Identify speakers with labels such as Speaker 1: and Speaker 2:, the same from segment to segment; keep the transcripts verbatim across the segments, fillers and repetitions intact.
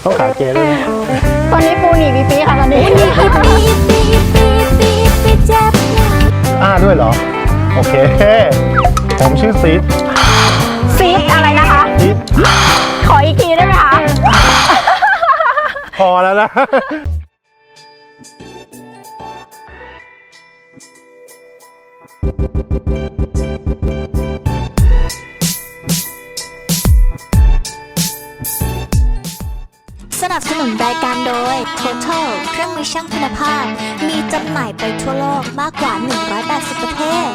Speaker 1: ต้องขาเกด้วยนะ
Speaker 2: ตอนนี้ปูหนีปีปีค่ะตอนนี้
Speaker 1: อ้าด้วยเหรอโอเคผมชื่อซีด
Speaker 2: ซีดอะไรนะคะ
Speaker 1: ซีด
Speaker 2: ขออีกทีได้ไหมคะ
Speaker 1: พอแล้วนะ
Speaker 3: สนับสนุนรายการโดย Total เครื่องมือช่างคุณภาพมีจำหน่ายไปทั่วโลกมากกว่าหนึ่งร้อยแปดสิบประเทศ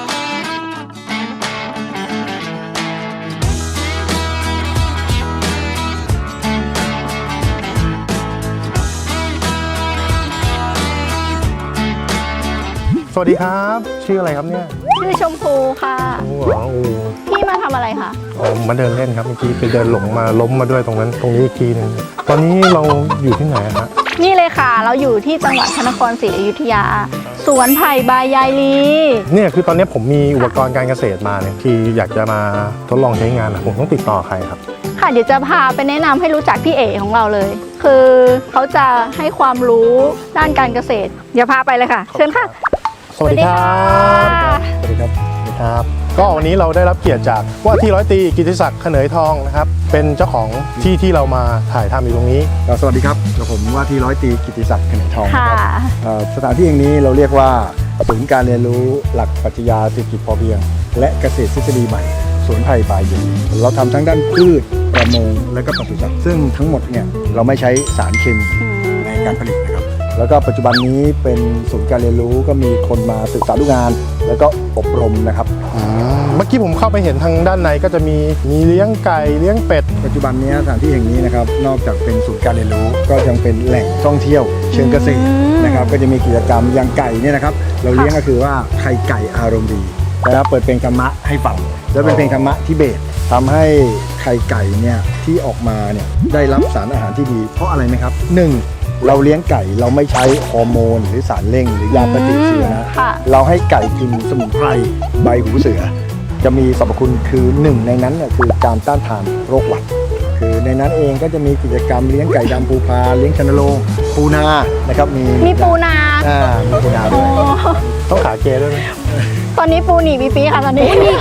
Speaker 1: สวัสดีครับชื่ออะไรครับเนี่ย
Speaker 2: ชื่อชมพูค่ะ
Speaker 1: โอ้โหโอ้
Speaker 2: พี่มาทำอะไรคะ
Speaker 1: อ๋อมาเดินเล่นครับเมื่อกี้ไปเดินหลงมาล้มมาด้วยตรงนั้นตรงนี้อีกทีหนึงตอนนี้เราอยู่ที่ไหนฮะ
Speaker 2: นี่เลยค่ะ เราอยู่ที่จังหวัดพระนครศรีอยุธยา สวนไผ่บายยายลี
Speaker 1: เนี่ยคือตอนนี้ผมมีอุปกรณ์การเกษตรมาเนี่ยที่อยากจะมาทดลองใช้งานนะผมต้องติดต่อใครครับ
Speaker 2: ค่ะเดี๋ยวจะพาไปแนะนำให้รู้จักพี่เอ๋ของเราเลย คือเขาจะให้ความรู้ด้านการเกษตร เดี๋ยวพาไปเลยค่ะ เชิญค่ะ
Speaker 1: สวัสดีครับสวัสดีครับสวัสดีครับ ก็วันนี้เราได้รับเกียรติจากว่าที่ร้อยตรีกิติศักดิ์เขนยทองนะครับเป็นเจ้าของที่ที่เรามาถ่ายทำอยู่ตรงนี้
Speaker 4: สวัสดีครับกับผมว่าที่ร้อยตรีกิติศักดิ์เขนยทอง
Speaker 2: ค่ะ
Speaker 4: นะครับเอ่อสถานที่แห่งนี้เราเรียกว่าศูนย์การเรียนรู้หลักปรัชญาเศรษฐกิจพอเพียง และเกษตรทฤษฎีใหม่สวนไผ่บายเย็นเราทำทั้งด้านพืชประมงและก็ปศุสัตว์ซึ่งทั้งหมดเนี่ยเราไม่ใช้สารเคมีในการผลิตนะครับแล้วก็ปัจจุบันนี้เป็นศูนย์การเรียนรู้ก็มีคนมาศึกษาดูงาน แล้วก็อบรมนะครับ
Speaker 1: เมื่อกี้ผมเข้าไปเห็นทางด้านในก็จะมีมีเลี้ยงไก่เลี้ยงเป็ด
Speaker 4: ปัจจุบันนี้สถานที่แห่งนี้นะครับนอกจากเป็นศูนย์การเรียนรู้ก็ยังเป็นแหล่งท่องเที่ยวเชิงเกษตรนะครับก็จะมีกิจกรรมอย่างไก่เนี่ยนะครับเราเลี้ยงก็คือว่าไข่ไก่อารมณ์ดีนะครับเปิดเพลงธรรมะให้ฟังแล้วเป็นเพลงธรรมะทิเบตทำให้ไข่ไก่เนี่ยที่ออกมาเนี่ยได้รับสารอาหารที่ดี เพราะอะไรไหมครับหนึ่งเราเลี้ยงไก่เราไม่ใช้ฮอร์โมนหรือสารเร่งหรือยาปฏิชีวนะ
Speaker 2: ค่ะ
Speaker 4: เราให้ไก่กินสมุนไพรใบหูเสือ จะมีสรรพคุณคือหนึ่งในนั้นเนี่ยคือการต้านทานโรคหวัด คือในนั้นเองก็จะมีกิจกรรมเลี้ยงไก่ดำภูพาเลี้ยงชนโรงปูนานะครับมี
Speaker 2: มีปูนา
Speaker 4: อ่ามีปูนา
Speaker 2: โอ้
Speaker 4: ด้วย
Speaker 1: ต้องขาเกด้วยไหม
Speaker 2: ตอนนี้ปูหนีปีปีค่ะตอนนี้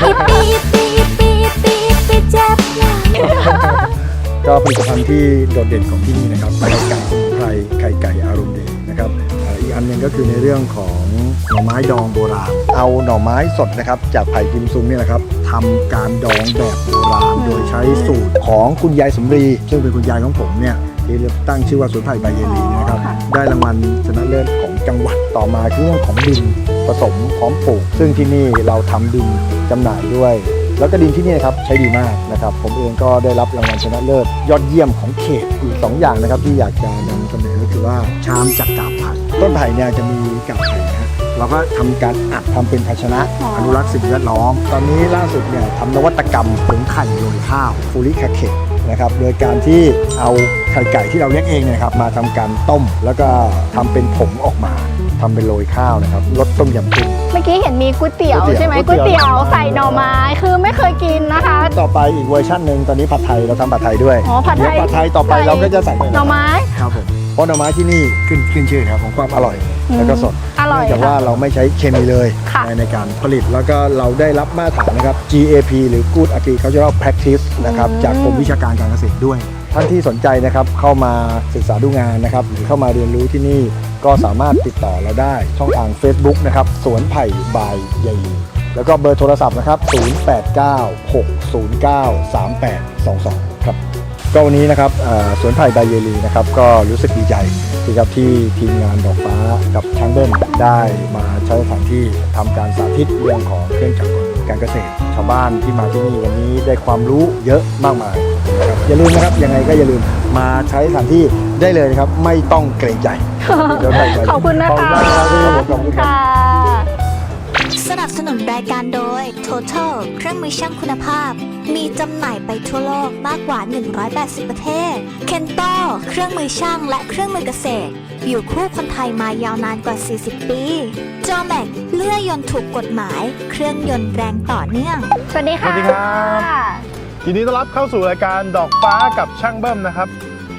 Speaker 4: ก็ผลิตภัณฑ์ที่โดดเด่นของที่นี่นะครับไข่ไก่สมุนไพรไข่ไก่อารมณ์ดีนะครับอ่าอีกอันหนึงก็คือในเรื่องของหน่อไม้ดองโบราณ เอาหน่อไม้สดนะครับจากไผ่กิมซุงเนี่ยนะครับทำการดองแบบโบราณโดยใช้สูตรของคุณยายสมรีซึ่งเป็นคุณยายของผมเนี่ยที่ตั้งชื่อว่าสวนไผ่ใบเยลีนะครับได้รางวัลชนะเลิศของจังหวัดต่อมาคือเรื่องของดินผสมพร้อมปลูก ซึ่งที่นี่เราทำดินจำหน่ายด้วย แล้วก็ดินที่นี่นะครับใช้ดีมากนะครับผมเองก็ได้รับรางวัลชนะเลิศยอดเยี่ยมของเขตอีกสองอย่างนะครับที่อยากจะนำเสนอก็คือว่าชามจากกาบไผ่ต้นไผ่เนี่ยจะมีกาบไผ่นะเราก็ทำการอัดทำเป็นภาชนะอนุรักษ์สิ่งแวดล้อมตอนนี้ล่าสุดเนี่ยทำนวัตกรรมผงไข่โรยข้าวฟูริคาเคนะครับโดยการที่เอาไข่ไก่ที่เราเลี้ยงเองเนี่ยครับมาทำการต้ม แล้วก็ทำเป็นผงออกมาทำเป็นโรยข้าวนะครับรสต้มยำกุ้ง
Speaker 2: เมื่อกี้เห็นมีก๋วยเตี๋ยว
Speaker 4: ก๋วยเตี๋ยว
Speaker 2: ใช่ไหม
Speaker 4: ก๋
Speaker 2: ก๋ว
Speaker 4: วย ยเตี๋
Speaker 2: เตี๋ย
Speaker 4: ยว ว
Speaker 2: ใส่หน่อไม้คือไม่เคยกินนะคะ
Speaker 4: ต่อไปอีกเวอร์ชันหนึ่งตอนนี้ผัดไทยเราทำผัดไทยด้วย
Speaker 2: อ๋อผัดไทย
Speaker 4: เดี๋ยวผัดไทยต่อไปเราก็จะใส่
Speaker 2: หน่อไม้
Speaker 4: ครับผมเพราะหน่อไม้ที่นี่ขึ้นขึ้นชื่อนะครับของความอร่อย
Speaker 2: อืม
Speaker 4: แล้วก็สด
Speaker 2: อร่อย
Speaker 4: เนื่องจากว่า
Speaker 2: ค่ะ
Speaker 4: เราไม่ใช้เคมีเลย
Speaker 2: ค่ะ
Speaker 4: ในในการผลิตแล้วก็เราได้รับมาตรฐานนะครับ จี เอ พี หรือ Good Agricultural Practice นะครับจากกรมวิชาการการเกษตรด้วย ท่านที่สนใจนะครับเข้ามาศึกษาดูงานนะครับหรือเข้ามาเรียนรู้ที่นี่ก็สามารถติดต่อเราได้ช่องทาง Facebook นะครับสวนไผ่บายยายลีแล้วก็เบอร์โทรศัพท์นะครับศูนย์ แปด เก้า หก ศูนย์ เก้า สาม แปด สอง สองครับก็วันนี้นะครับเอ่อสวนไผ่บายยายลีนะครับก็รู้สึกดีใจที่ครับที่ทีมงานดอกฟ้ากับช้างเบิ้ลได้มาใช้สถานที่ทำการสาธิตเรื่องของเครื่องจักรกลการเกษตร ชาวบ้านที่มาที่นี่วันนี้ได้ความรู้เยอะมากมายนะครับอย่าลืมนะครับยังไงก็อย่าลืมมาใช้สถานที่ได้เลยนะครับไม่ต้องเกรงใจเดี๋ยวไปไป
Speaker 2: ขอบคุณนะ
Speaker 4: ขอบ
Speaker 2: คะ
Speaker 4: คุณมากครับพี่ผมขอบคุณครับ
Speaker 2: ค่ะ
Speaker 3: สนับสนุนรายการโดย Total เครื่องมือช่างคุณภาพมีจำหน่ายไปทั่วโลกมากกว่าหนึ่งร้อยแปดสิบประเทศ Kento เครื่องมือช่างและเครื่องมือเกษตรอยู่คู่คนไทยมายาวนานกว่า สี่สิบ ปี Jomax เลื่อยยนต์ถูกกฎหมายเครื่องยนต์แรงต่อเนื่อง
Speaker 2: สวัสดี
Speaker 1: ส
Speaker 2: ค่ะ
Speaker 1: วัสดีครับยินดีต้อนรับเข้าสู่รายการดอกฟ้ากับช่างเบิ้มนะครับ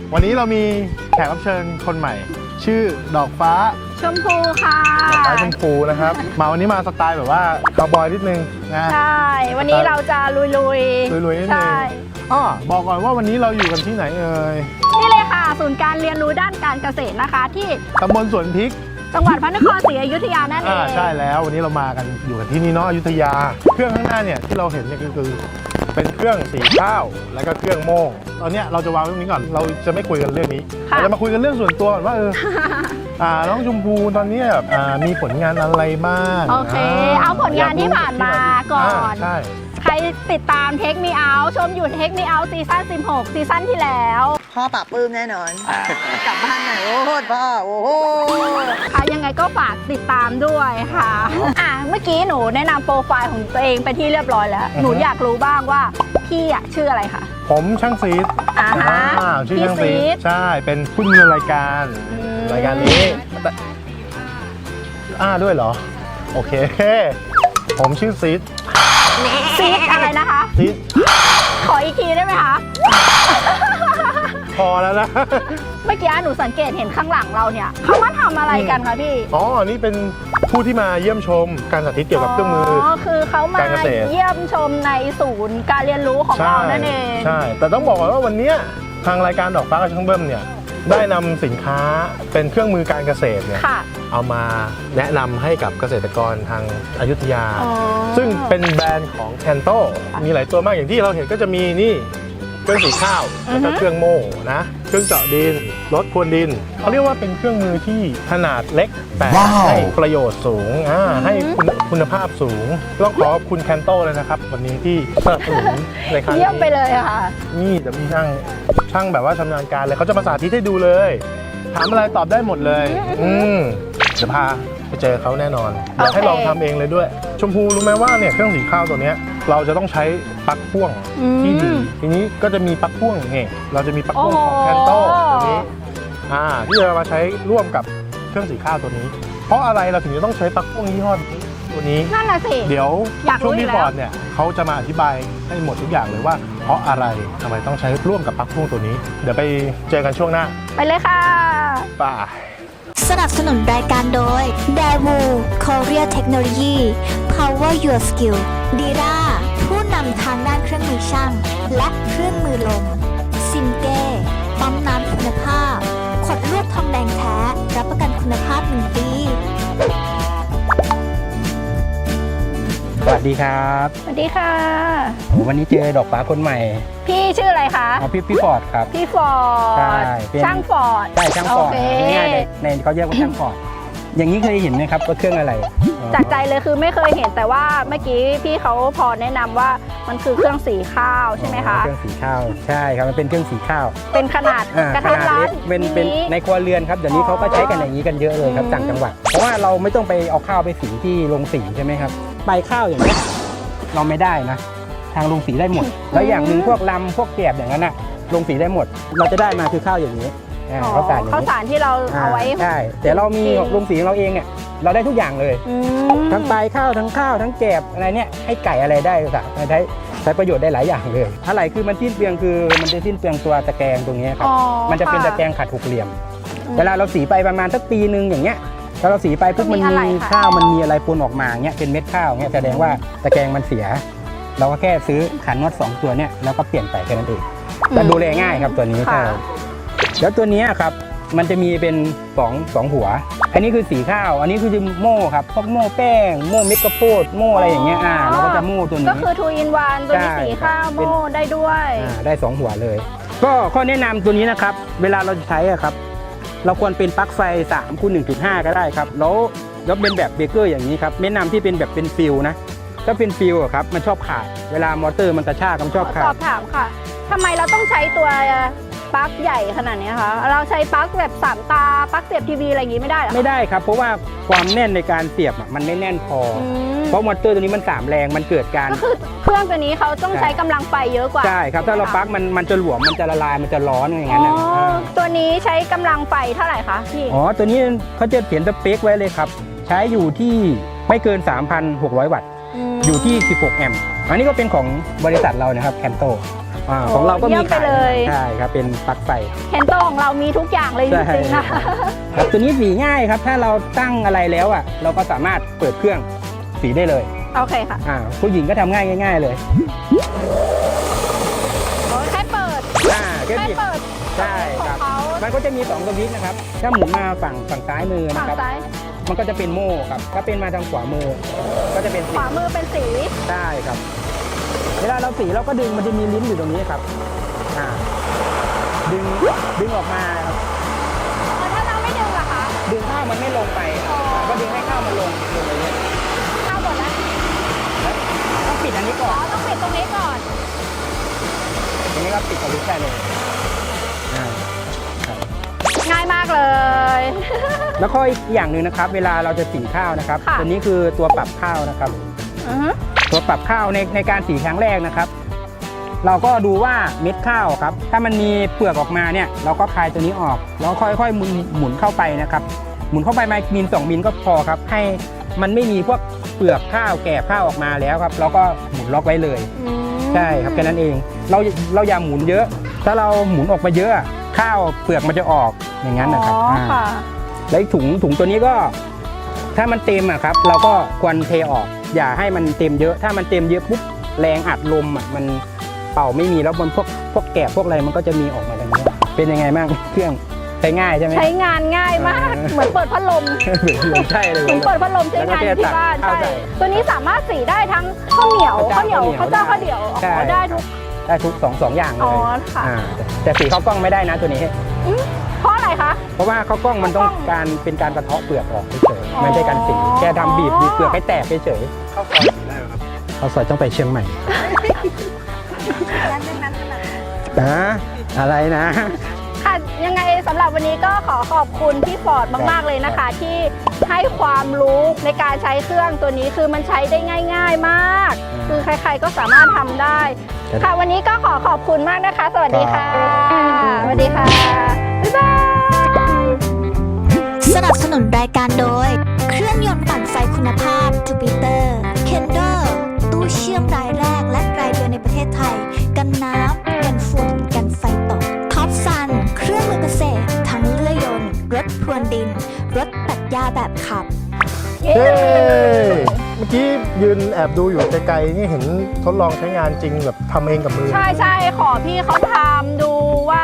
Speaker 1: วันนี้เรามีแขกรับเชิญคนใหม่ ชื่อดอกฟ้า
Speaker 2: ชมพูค่ะ
Speaker 1: ดอกฟ้าชมพูนะครับ มาวันนี้มาสไตล์แบบว่าคาวบอยนิดนึงนะ
Speaker 2: ใช่ วันนี้เราจะลุยๆ
Speaker 1: ลุยๆนิดนึง
Speaker 2: ใช่
Speaker 1: อ้อบอกก่อนว่าวันนี้เราอยู่กันที่ไหนเอ่ย
Speaker 2: นี่เลยค่ะ ศูนย์การเรียนรู้ด้านการเกษตรนะคะ ที่
Speaker 1: ตำบลสวนพริก
Speaker 2: จังหวัดพระนครศรีอยุธยานั่นเอ
Speaker 1: อ่าง ใช่แล้ววันนี้เรามากันอยู่กันที่นี่เนาะอยุธยา เครื่องข้างหน้าเนี่ยที่เราเห็นเนี่ยก็คือเป็นเครื่องสีข้าวแล้วก็เครื่องโม่งตอนเนี้ยเราจะวางเรื่องนี้ก่อนเราจะไม่คุยกันเรื่องนี้
Speaker 2: ค่ะ
Speaker 1: เราจะมาคุยกันเรื่องส่วนตัวก่อนว่าเออ อ่าน้องชมพูตอนนี้แบบอ่ามีผลงานอะไรบ้าง
Speaker 2: โอเค เอาผลงานที่ผ่านมาก่อน
Speaker 1: ใช่
Speaker 2: ใครติดตามเทคมีเอาชมอยู่เทคมีเอาซีซั่นสิบหกซีซั่นที่แล้ว
Speaker 5: พ่อปราบปลื้มแน่นอน กลับบ้านหน่อยโอ้โหพ่อโอ้โห
Speaker 2: ค่ะยังไงก็ฝากติดตามด้วยค่ะอ่ะ เมื่อกี้หนูแนะนำโปรไฟล์ของตัวเองไปที่เรียบร้อยแล้ว หนูอยากรู้บ้างว่าพี่อะชื่ออะไรคะ
Speaker 1: ผมช่างซีด
Speaker 2: อ่าฮะ
Speaker 1: อ่าชื่อ
Speaker 2: พี่
Speaker 1: ช่างซี
Speaker 2: ซี
Speaker 1: ด
Speaker 2: ด
Speaker 1: ใช่เป็นผู้ดำเนินรายการ
Speaker 2: อืม
Speaker 1: รายการนี้แต่อ่าด้วยเหรอโอเค ผมชื่อซีด
Speaker 2: ซีดอะไรนะคะ
Speaker 1: ซีด
Speaker 2: ขออีกทีได้ไหมคะ
Speaker 1: พอแล้วนะ
Speaker 2: เมื่อกี้หนูสังเกตเห็นข้างหลังเราเนี่ยเขามาทำอะไรกันคะพี่
Speaker 1: อ๋อ นี่เป็นผู้ที่มาเยี่ยมชมการสาธิตเกี่ยวกับเครื่องมือ
Speaker 2: อ๋อคือเขามา
Speaker 1: การเกษตร
Speaker 2: เยี่ยมชมในศูนย์การเรียนรู้ของเรานั่นเอง
Speaker 1: ใช่ แต่ต้องบอกก่อนว่าวันเนี้ยทางรายการดอกฟ้ากับช่างเบิ้มเนี่ยได้นำสินค้าเป็นเครื่องมือการเกษตรเนี่ย
Speaker 2: ค่ะ
Speaker 1: เอามาแนะนำให้กับเกษตรกรทางอยุธยา
Speaker 2: อ๋อ
Speaker 1: ซึ่งเป็นแบรนด์ของแคนโตมีหลายตัวมากอย่างที่เราเห็นก็จะมีนี่เครื่องสีข้าวแล้วก็เครื่องโม่นะเครื่องเจาะดินรถพรวนดินเขาเรียกว่าเป็นเครื่องมือที่ขนาดเล็กแต่ให้ประโยชน์สูงอ่าให้คุณคุณภาพสูงต้องขอขอบคุณแคนโตเลยนะครับวันนี้ที่สนับสนุนในครั้งนี้
Speaker 2: เยี่ยมไปเลยค่ะ
Speaker 1: นี่จะมีช่างช่างแบบว่าชำนาญการเลยเขาจะมาสาธิตให้ดูเลยถามอะไรตอบได้หมดเลย อืมเดี๋ยวพาไปเจอเขาแน่นอนอยากให้
Speaker 2: โอเค
Speaker 1: ลองทำเองเลยด้วย ชมพูรู้ไหมว่าเนี่ยเครื่องสีข้าวตัวเนี้ยเราจะต้องใช้ปลั๊กพ่วงที่ดีทีนี้ก็จะมีปลั๊กพ่วงเนี่ยเราจะมีปลั๊กพ่วงของแคนโตตัวนี้อ่าที่จะมาใช้ร่วมกับเครื่องสีข้าวตัวนี้ เพราะอะไรเราถึงจะต้องใช้ปลั๊กพ่วงยี่ห้อตัวนี้
Speaker 2: นั่นน่ะสิ
Speaker 1: เดี๋ยว
Speaker 2: อยากรู้
Speaker 1: ช่วง
Speaker 2: อยู่
Speaker 1: ที่
Speaker 2: แล้ว
Speaker 1: ฟอร์ดเนี่ยเขาจะมาอธิบายให้หมดทุกอย่างเลยว่า เพราะอะไรทำไมต้องใช้ร่วมกับปลั๊กพ่วงตัวนี้ เดี๋ยวไปเจอกันช่วงหน้า
Speaker 2: ไปเลยค่ะ
Speaker 1: ป่า
Speaker 3: สนับสนุนรายการโดย d a w o Korea Technology Power Your Skill ดีราผู้นำทางด้านเครื่องมือช่าง และเครื่องมือลมซิมเก้ปั๊มน้ำคุณภาพ ขดลวดทองแดงแท้ รับประกันคุณภาพหนึ่งปี
Speaker 6: สวัสดีครับ
Speaker 2: สวัสดีค่ะ
Speaker 6: โอ้วันนี้เจอดอกฟ้าคนใหม่
Speaker 2: พี่ชื่ออะไรคะ
Speaker 6: เอาพี่พี่ฟอร์ดครับ
Speaker 2: พี่ฟอร์
Speaker 6: ใช่
Speaker 2: ด
Speaker 6: เป็น
Speaker 2: ช่างฟอร์ด
Speaker 6: ใช่ช่างฟอร์ด
Speaker 2: โอเค
Speaker 6: ง่ายๆในในเขาเรียกว่าช่างฟอร์ดอย่างนี้เคยเห็นไหมครับว่าเครื่องอะไร
Speaker 2: จากใจเลยคือไม่เคยเห็นแต่ว่าเมื่อกี้พี่เขาพอแนะนำว่ามันคือเครื่องสีข้าวใช่ไหมคะ
Speaker 6: เครื่องสีข้าวใช่ครับมันเป็นเครื่องสีข้าว
Speaker 2: เป็นขนาด
Speaker 6: อ่าก
Speaker 2: ระ
Speaker 6: ข
Speaker 2: ทัด
Speaker 6: นาด
Speaker 2: รั
Speaker 6: เล็
Speaker 2: ด
Speaker 6: กเป็นเป็น
Speaker 2: มิ
Speaker 6: ในครัวเรือนครับเดี๋ยวนี้เขาก็ใช้กันอย่างนี้กันเยอะเลยครับ
Speaker 2: อืม
Speaker 6: ต่างจังหวัดเพราะว่าเราไม่ต้องไปเอาข้าวไปสีที่โรงสีใช่ไหมครับใบข้าวอย่างนี้ยเราไม่ได้นะ ทางโรงสีได้หมด แล้วอย่างหนึ่งพวกลำพวกแกบอย่างนั้นน่ะโรงสีได้หมด เราจะได้มาคือข้าวอย่างนี้อ่า
Speaker 2: อ๋อ
Speaker 6: ข้าวสารอย่าง
Speaker 2: ข้าว
Speaker 6: นี้
Speaker 2: สารที่เราเอาไว้
Speaker 6: ใช่แต่เรามี
Speaker 2: กิน
Speaker 6: โรงสีของเราเองเนี่ยเราได้ทุกอย่างเลย
Speaker 2: อืม
Speaker 6: ทั้งปลายข้าวทั้งข้าวทั้งแกบอะไรเนี่ยให้ไก่อะไรได้ค่ะใช้ใช้ประโยชน์ได้หลายอย่างเลยอะไรคือมันสิ้นเปลืองคือมันจะสิ้นเปลืองตัวตะแกรงตรงนี้ครับ
Speaker 2: อ๋อ
Speaker 6: มันจะเป็น
Speaker 2: ค่
Speaker 6: ตะแกรงขัดหกเหลี่ยม
Speaker 2: อืม
Speaker 6: เวลาเราสีไปประมาณสักปีหนึ่งอย่างเงี้ยพอเราสีไปปุ๊บ
Speaker 2: ก็มี
Speaker 6: มัน
Speaker 2: อะไร
Speaker 6: มี
Speaker 2: ค่ะ
Speaker 6: ข้าวมันมีอะไรปนออกมาเงี้ยเป็นเม็ดข้าวเงี้ยแสดงว่าตะแกรงมันเสีย เราก็แค่ซื้อขันน็อตสองตัวเนี่ยแล้วก็เปลี่ยนไปแค่นั้นเองแล้วดูแลง่ายครับตัวนี้
Speaker 2: ค่ะ
Speaker 6: ใช่แล้วตัวเนี้ยครับมันจะมีเป็นสองสองหัว อันนี้คือสีข้าว อันนี้คือโม่ครับพวกโม่แป้งโม่เม็ดข้าวโพดโม่อะไรอย่างเงี้ยอ่าเราก็จะโม่ตัวนี้
Speaker 2: ก็คือ two in one ตัวนี้
Speaker 6: ใช่
Speaker 2: สีข้าว
Speaker 6: เป็น
Speaker 2: โม่ได้ด้วย
Speaker 6: อ่าได้สองหัวเลย ก็ข้อแนะนำตัวนี้นะครับ เวลาเราใช้อะครับ เราควรเป็นปลั๊กไฟสามคูณหนึ่งจุดห้าก็ได้ครับแล้วแล้วเป็นแบบเบเกอร์อย่างนี้ครับแนะนำที่เป็นแบบเป็นฟิลนะถ้าเป็นฟิลอะครับมันชอบขาดเวลามอเตอร์มันกระชากมันชอบขา
Speaker 2: สอ
Speaker 6: ด
Speaker 2: บถามค่ะทำไมเราต้องใช้ตัวปลั๊กใหญ่ขนาดนี้คะเราใช้ปลั๊กแบบสามตาปลั๊กเสียบทีวีอะไรอย่างงี้ไม่ได้เหรอ
Speaker 6: ไม่ได้ครับ เพราะว่าความแน่นในการเสียบอะมันไม่แน่นพออ
Speaker 2: อืม
Speaker 6: เพราะมอเตอร์ตัวนี้มันสามแรงมันเกิดการ
Speaker 2: ก็คือเครื่องตัวนี้เขาต้องใช้กำลังไฟเยอะกว่า
Speaker 6: ใช่ครับถ้าเราปลั๊กมันมันจะหลวมมันจะละลายมันจะร้อนอย่าง
Speaker 2: อ๋
Speaker 6: นั้น
Speaker 2: อ
Speaker 6: นะอ่า
Speaker 2: ตัวนี้ใช้กำลังไฟเท่าไหร่คะพี่
Speaker 6: อ๋อตัวนี้เขาจะเขียนสเปคไว้เลยครับใช้อยู่ที่ไม่เกิน สามพันหกร้อย วัตต์
Speaker 2: ม
Speaker 6: อยู่ที่ สิบหก แอมป์อันนี้ก็เป็นของบริษัทเรานะครับแคนโตอ่าของเราก็
Speaker 2: เยี่
Speaker 6: มี
Speaker 2: ยมไป
Speaker 6: ขาย
Speaker 2: เลย
Speaker 6: ใช่ครับเป็นปลั๊กไฟ
Speaker 2: เคนโตของเรามีทุกอย่างเลยจ
Speaker 6: ใช่
Speaker 2: ริงๆนะ
Speaker 6: ครับตัวนี้สีง่ายครับถ้าเราตั้งอะไรแล้วอ่ะเราก็สามารถเปิดเครื่องสีได้เลย
Speaker 2: โอเคค่ะ
Speaker 6: อ่าผู้หญิงก็ทำง่ายง่ายๆเลย
Speaker 2: โอ้ยแค่เปิด
Speaker 6: อ่าแค่
Speaker 2: แค่
Speaker 6: บิด
Speaker 2: เปิด
Speaker 6: ใช่
Speaker 2: ข
Speaker 6: ค
Speaker 2: อ
Speaker 6: รั
Speaker 2: ง
Speaker 6: บ
Speaker 2: เขา
Speaker 6: มันก็จะมีสองสวิตช์นะครับถ้าหมุนมาฝั่งฝั่งซ้ายมือ
Speaker 2: ฝั่
Speaker 6: นะ
Speaker 2: ง
Speaker 6: ครับ
Speaker 2: ซ้าย
Speaker 6: มันก็จะเป็นโม่ครับถ้าเป็นมาทางขวามือ ก็จะเป็น
Speaker 2: ข
Speaker 6: สี
Speaker 2: วามือเป็นสี
Speaker 6: ได้ครับ เวลาเราสีเราก็ดึงมันจะมีลิ้นอยู่ตรงนี้ครับอ่าดึงดึงออกมาครับ
Speaker 2: แล้วถ้าเราไม่ดึงล่ะคะ
Speaker 6: ดึงข้าวมันไม่ลงไป
Speaker 2: อ๋อ
Speaker 6: ก็ดึงให้ข้าวมันลงลงเลยเนี่ย
Speaker 2: เข้าหมดแล้ว
Speaker 6: ต้องปิดอันนี้ก่
Speaker 2: อ๋
Speaker 6: อ
Speaker 2: อน ต้องปิดตรงนี้ก่อน
Speaker 6: อันนี้ก็ปิดสวิตช์ได้เลยอ่าครับ
Speaker 2: ง่ายมากเลย
Speaker 6: แล้วก็อีกอย่างหนึ่งนะครับ เวลาเราจะสีข้าวนะครับ
Speaker 2: ค่ะ
Speaker 6: ตัวนี้คือตัวปรับข้าวนะครับ
Speaker 2: อือฮึ
Speaker 6: ตัวปรับข้าวในในการสีครั้งแรกนะครับ เราก็ดูว่าเม็ดข้าวครับ ถ้ามันมีเปลือกออกมาเนี่ยเราก็คลายตัวนี้ออกแล้วค่อยๆหมุนหมุนเข้าไปนะครับ หมุนเข้าไปมามิลสองมิลก็พอครับ ให้มันไม่มีพวกเปลือกข้าวแก่ข้าวออกมาแล้วครับ เราก็หมุนล็อกไว้เลย
Speaker 2: อืม
Speaker 6: ใช่ครับแค่นั้นเอง เราเราอย่าหมุนเยอะ ถ้าเราหมุนออกมาเยอะข้าวเปลือกมันจะออกอย่างนั้นนะครับ
Speaker 2: อ๋อค่ะ
Speaker 6: าแล้วถุงถุงตัวนี้ก็ ถ้ามันเต็มอะครับ เราก็ควรเทออก อย่าให้มันเต็มเยอะ ถ้ามันเต็มเยอะปุ๊บแรงอัดลมอะมันเป่าไม่มีแล้วมันพวกพวกแกะพวกอะไรมันก็จะมีออกมาอย่างนี้ยเป็นยังไงบ้างเครื่องใช้ง่ายใช่ไหม
Speaker 2: ใช้งานง่ายมาก
Speaker 6: เออ
Speaker 2: เหมือนเปิดพัดลม
Speaker 6: ใช่เลย
Speaker 2: เหมือนเปิดพัดลมใช้งานอยู่ที่บ้าน
Speaker 6: แล้วก็
Speaker 2: ใช่
Speaker 6: แค่ตักข้าวใส่
Speaker 2: ตัวนี้สามารถสีได้ทั้งข้าวเหนียวข้าวเหนียวข้าวเจ้าข้าวเหนียว
Speaker 6: ใช่
Speaker 2: อ๋อได้ทุก
Speaker 6: ได้ทุกสองสองอย่างเล
Speaker 2: อ๋อย ค่ะ
Speaker 6: อ่าแต่แต่สีข้าวกล้องไม่ได้นะตัวนี้
Speaker 2: เพราะอะไรคะ
Speaker 6: เพราะว่าข้าวกล้องมันต้อง
Speaker 2: ข้าวกล้อง
Speaker 6: การเป็นการกระเทาะเปลือกออกเฉย
Speaker 2: อ๋อ
Speaker 6: ๆไม่ได้การสีแค่ทำบีบบีบเปลือกให้แตกเฉย
Speaker 1: เข้าซอยสีได้ไหมครับ
Speaker 6: ๆข้าวซอยต้องไปเชียงใหม่
Speaker 5: นั้นนั้นนั้นนั้น
Speaker 6: นะอะไรนะ
Speaker 2: ค่ะยังไงสำหรับวันนี้ก็ขอขอบคุณพี่ฟอร์ดมาก ๆ เลยนะคะ ที่ให้ความรู้ในการใช้เครื่องตัวนี้คือมันใช้ได้ง่าย ๆมาก
Speaker 6: อืม
Speaker 2: คือใคร ๆ ก็สามารถทำได้
Speaker 6: ครับ
Speaker 2: ค่ะวันนี้ก็ขอขอบคุณมากนะคะ สวัสดีค่ะ
Speaker 6: ครับ
Speaker 2: สวัสดีค่ะ บ๊ายบาย
Speaker 3: สนับสนุนรายการโดย เครื่องยนต์ปั่นไฟคุณภาพ Jupiter Kendall ตู้เชื่อมรายแรกและรายเดียวในประเทศไทย กันน้ำ กันฝุ่น กันไฟตก ท็อปซัน เครื่องมือเกษตร ทั้งเลื่อยยนต์ รถพรวนดิน รถตัดหญ้าแบบขับ
Speaker 2: เย้
Speaker 1: เฮ้เมื่อกี้ยืนแอบดูอยู่ไกลๆนี่เห็นทดลองใช้งานจริงแบบทำเองกับมือ
Speaker 2: ใช่ใช่ขอพี่เขาทำดูว่า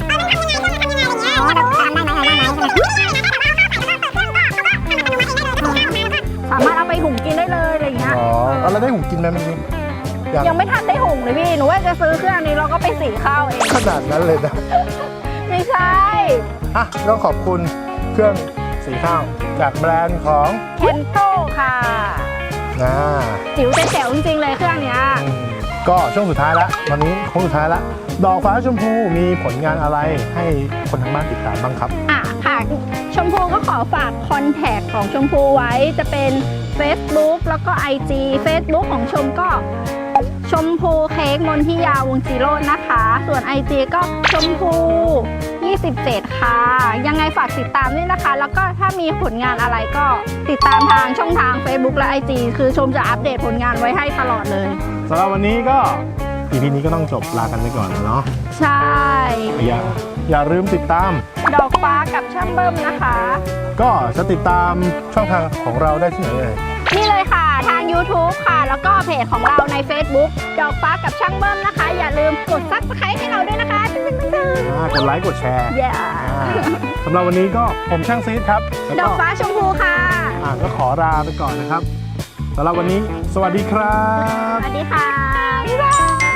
Speaker 2: สามารถเอาไปหุงกินได้เลยอะไรอย่างเงี้ย
Speaker 1: อ๋อเอาแล้วได้หูกินไหมเมื่อกี้ยัง
Speaker 2: ยังไม่ทันได้หุงเลยพี่ หนูว่าจะซื้อเครื่องนี้แล้วก็ไปสีข้าวเอง
Speaker 1: ขนาดนั้นเลยนะ
Speaker 2: ไม่ใช่
Speaker 1: อ่ะต้องขอบคุณเครื่องสีข้าว จากแบรนด์ของ
Speaker 2: เคนโตค่ะ
Speaker 1: นะ
Speaker 2: จิ๋วแต่แจ๋วจริงๆเลยเครื่องเนี้ย
Speaker 1: อืมก็ช่วงสุดท้ายละวันนี้โค้งสุดท้ายละดอกฟ้าชมพูมีผลงานอะไรให้คนทางบ้านติดตามบ้างครับ
Speaker 2: อ่ะค่ะชมพูก็ขอฝากคอนแทคของชมพูไว้จะเป็น Facebook แล้วก็ ไอ จี Facebook ของชมก็ชมพูเค้กมนทิยาวงศ์จิโรจน์นะคะ ส่วน ไอ จี ก็ชมพูยี่สิบเจ็ดค่ะ ยังไงฝากติดตามด้วยนะคะ แล้วก็ถ้ามีผลงานอะไรก็ติดตามทางช่องทาง Facebook และ ไอ จี คือชมจะอัปเดตผลงานไว้ให้ตลอดเลย
Speaker 1: สำหรับวันนี้ก็ อี พี นี้ก็ต้องจบลากันไปก่อนแล้วเนาะ
Speaker 2: ใช่
Speaker 1: อย่าอย่าลืมติดตาม
Speaker 2: ดอกฟ้ากับช่างเบิ้มนะคะ
Speaker 1: ก็จะติดตามช่องทางของเราได้ที่ไหนเอ่ย
Speaker 2: นี่เลยค่ะทาง YouTube ค่ะ แล้วก็เพจของเราใน Facebook ดอกฟ้ากับช่างเบิ้มนะคะ อย่าลืมกด ซับสไครบ์ ให้เราด้วยนะคะตึ้งตึ้งตึ้ง
Speaker 1: อ่ากดไลค์กดแชร์
Speaker 2: เย้
Speaker 1: อ่าสำหรับวันนี้ก็ผมช่างซีดครับแล้ว
Speaker 2: ดอ
Speaker 1: ก็
Speaker 2: กฟ้าชมพูค่ะ
Speaker 1: อ่าก็ขอลาไปก่อนนะครับสำหรับวันนี้ สวัสดีครับ
Speaker 2: สวัสดีค่ะ บ๊ายบาย